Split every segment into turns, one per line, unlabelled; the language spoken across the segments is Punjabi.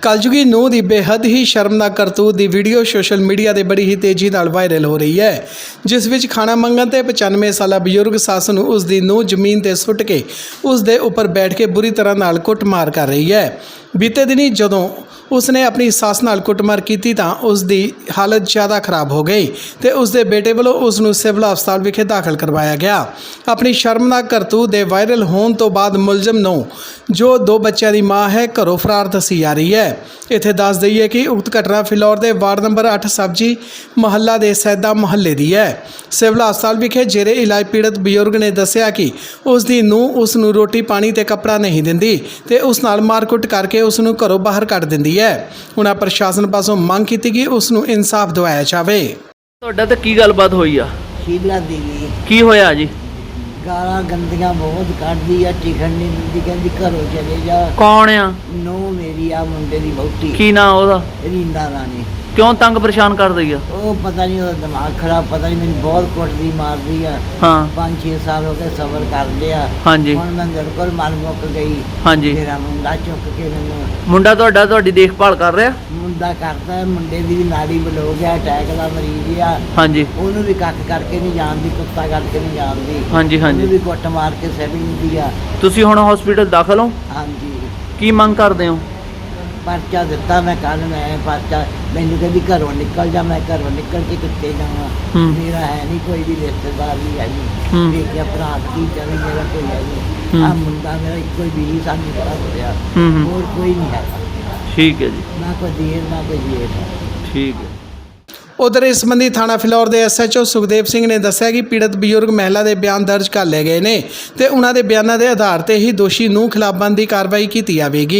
कलयुगी ਨੂੰਹ ਦੀ बेहद ही शर्मनाक करतूत ਦੀ ਵੀਡੀਓ ਸੋਸ਼ਲ ਮੀਡੀਆ ਤੇ ਬੜੀ ਹੀ ਤੇਜ਼ੀ ਨਾਲ ਵਾਇਰਲ ਹੋ ਰਹੀ ਹੈ, ਜਿਸ ਵਿੱਚ ਖਾਣਾ ਮੰਗਣ ਤੇ 95 ਸਾਲਾ ਬਜ਼ੁਰਗ ਸੱਸ ਨੂੰ ਉਸ ਦੀ ਨੂੰਹ ਜ਼ਮੀਨ ਤੇ ਸੁੱਟ ਕੇ ਉਸ ਦੇ ਉੱਪਰ ਬੈਠ ਕੇ ਬੁਰੀ ਤਰ੍ਹਾਂ ਨਾਲ ਕੁੱਟਮਾਰ ਕਰ ਰਹੀ ਹੈ। ਬੀਤੇ ਦਿਨੀ ਜਦੋਂ उसने अपनी सस नाल कुटमार की तां उसकी हालत ज़्यादा खराब हो गई तो उसके बेटे वालों उसनूं सिविल हस्पताल विखे दाखिल करवाया गया। अपनी शर्मनाक करतूत के वायरल होने तो बाद मुलजम नूं जो 2 बच्चों की माँ है घरों फरार दसी जा रही है। इत्थे दस दईए कि उक्त घटना फिलौर के वार्ड नंबर 8 सब्जी महल्ला के सैदा महल्ले की है। सिविल हस्पताल विखे जेरे इलाज पीड़ित बजुर्ग ने दस्सिया कि उसकी नूं उसनूं रोटी पानी ते कपड़ा नहीं दिंदी ते उस नाल मारकुट करके उसनूं घरों बाहर कढ़ दिंदी है। उन्हां प्रशासन पासों मंग की कि उसनूं इंसाफ दिवाया जावे।
ਤੁਹਾਡਾ ਤੇ ਕੀ ਗੱਲਬਾਤ ਹੋਈ ਆ?
ਸ਼ੀਲਾ ਦੇਵੀ
ਕੀ ਹੋਇਆ ਜੀ?
ਗਾਲਾਂ ਗੰਦੀਆਂ ਬਹੁਤ ਕੱਢਦੀ ਆ, ਟਿਕਣ ਨਹੀਂ ਦਿੰਦੀ, ਕਹਿੰਦੀ ਘਰੋਂ ਚਲੇ ਜਾ।
ਕੌਣ ਆ?
ਨੋ ਮੇਰੀ ਆ ਮੁੰਡੇ ਦੀ ਵਹੁਟੀ
ਕੀ ਨਾਂ ਉਹਦਾ?
ਰੀਂਦਾ ਰਾਣੀ।
ਕਿਉਂ ਤੰਗ ਪਰੇਸ਼ਾਨ ਕਰ ਰਹੀ ਆ?
ਉਹ ਪਤਾ ਨਹੀਂ, ਉਹਦਾ ਦਿਮਾਗ ਖਰਾਬ, ਪਤਾ ਨਹੀਂ, ਮੈਨੂੰ ਬਹੁਤ ਕੁੱਟਦੀ ਮਾਰਦੀ ਆ।
ਹਾਂ
5-6 ਸਾਲ ਹੋ ਗਏ ਸਬਰ ਕਰ ਲਿਆ।
ਹਾਂਜੀ
ਹੁਣ ਮੈਂ ਮੇਰੇ ਕੋਲ ਮਨ ਮੁੱਕ ਗਈ।
ਹਾਂਜੀ।
ਮੇਰਾ ਮੁੰਡਾ ਚੁੱਕ ਕੇ ਮੈਨੂੰ
ਮੁੰਡਾ ਤੁਹਾਡਾ ਤੁਹਾਡੀ ਦੇਖਭਾਲ ਕਰ ਰਿਹਾ?
ਮੁੰਡਾ ਕਰਦਾ ਹੈ, ਮੁੰਡੇ ਦੀ ਵੀ ਨਾੜੀ ਬਲੋਕ ਹੈ, ਅਟੈਕ ਦਾ ਮਰੀਜ਼ ਆ।
ਹਾਂਜੀ
ਉਹਨੂੰ ਵੀ ਕੱਖ ਕਰਕੇ ਨਹੀਂ ਜਾਣਦੀ, ਕੁੱਤਾ ਕਰਕੇ ਨਹੀਂ ਜਾਣਦੀ।
ਹਾਂਜੀ
ਉਹਨੂੰ
ਹਾਂਜੀ।
ਵੀ ਕੁੱਟ ਮਾਰ ਕੇ ਸੈਵਿੰਗ ਦੀ ਆ।
ਤੁਸੀਂ ਹੁਣ ਹਸਪੀਟਲ ਦਾਖਲ ਹੋ?
ਹਾਂਜੀ
ਕੀ ਮੰਗ ਕਰਦੇ ਹੋ?
ਪਰਚਾ ਦਿੱਤਾ ਮੈਂ ਕੱਲ, ਮੈਂ ਪਰਚਾ, ਮੈਨੂੰ ਕਹਿੰਦੀ ਘਰੋਂ ਨਿਕਲ ਜਾ। ਮੈਂ ਘਰੋਂ ਨਿਕਲ ਕੇ ਕਿੱਥੇ ਜਾਵਾਂ?
ਹੂੰ।
ਮੇਰਾ ਹੈ ਨਹੀਂ ਕੋਈ ਵੀ ਰਿਸ਼ਤੇਦਾਰ ਵੀ ਹੈ
ਹੂੰ।
ਨਹੀਂ, ਦੇਖਿਆ ਭਰਾ ਕੀ ਜਾਵੇ, ਮੇਰਾ ਕੋਈ ਹੈ ਨਹੀਂ। ਆ ਮੁੰਡਾ ਮੇਰਾ ਇੱਕੋ ਹੀ ਵੀ ਸਾਨੂੰ ਪਤਾ ਹੋਇਆ,
ਹੂੰ।
ਹੋਰ ਕੋਈ ਨਹੀਂ ਹੈ,
ਠੀਕ ਹੈ ਜੀ,
ਨਾ ਕੋਈ ਦੇਰ ਨਾ ਕੋਈ ਜੇਠ।
ਠੀਕ ਹੈ।
उधर इस संबंधी थाना फिलौर के SHO सुखदेव सिंह ने दस्सिया कि पीड़ित बजुर्ग महिला के बयान दर्ज कर ले गए हैं तो उन्होंने बयानों के आधार पर ही दोषी नूं खिलाफ बनती कार्रवाई की जाएगी।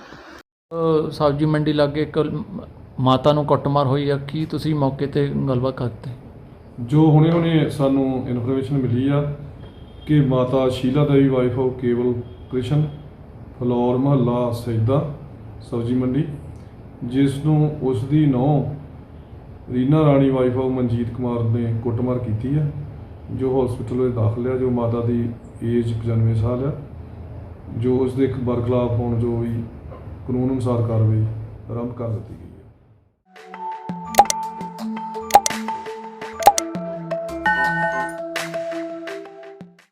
सब्जी मंडी लागे एक माता ਨੂੰ ਕੁੱਟਮਾਰ ਹੋਈ ਆ, ਕੀ ਤੁਸੀਂ ਮੌਕੇ ਤੇ ਗੱਲਬਾਤ ਕਰਦੇ?
ਜੋ ਹੁਣੇ ਸਾਨੂੰ ਇਨਫੋਰਮੇਸ਼ਨ ਮਿਲੀ ਆ ਕਿ ਮਾਤਾ ਸ਼ੀਲਾ ਦੇਵੀ ਵਾਈਫ ਆਫ ਕੇਵਲ ਕ੍ਰਿਸ਼ਨ ਫਲੋਰ ਮਹੱਲਾ ਸੈਦਾ ਸਬਜ਼ੀ ਮੰਡੀ, ਜਿਸ ਨੂੰ ਉਸ ਦੀ ਨੂੰਹ ਰੀਨਾ ਰਾਣੀ ਵਾਈਫ ਆਫ ਮਨਜੀਤ ਕੁਮਾਰ ਨੇ ਕੁੱਟਮਾਰ ਕੀਤੀ ਹੈ, ਜੋ ਹਸਪੀਟਲ ਵਿੱਚ ਦਾਖਲ ਹੈ। ਜੋ ਮਾਤਾ ਦੀ ਏਜ 95 ਸਾਲ ਹੈ, ਜੋ ਉਸ ਦੇ ਬਰਖਲਾਫ ਹੋਣ ਜੋ ਵੀ ਕਾਨੂੰਨ ਅਨੁਸਾਰ ਕਾਰਵਾਈ ਆਰੰਭ ਕਰ ਦਿੱਤੀ ਗਈ ਹੈ।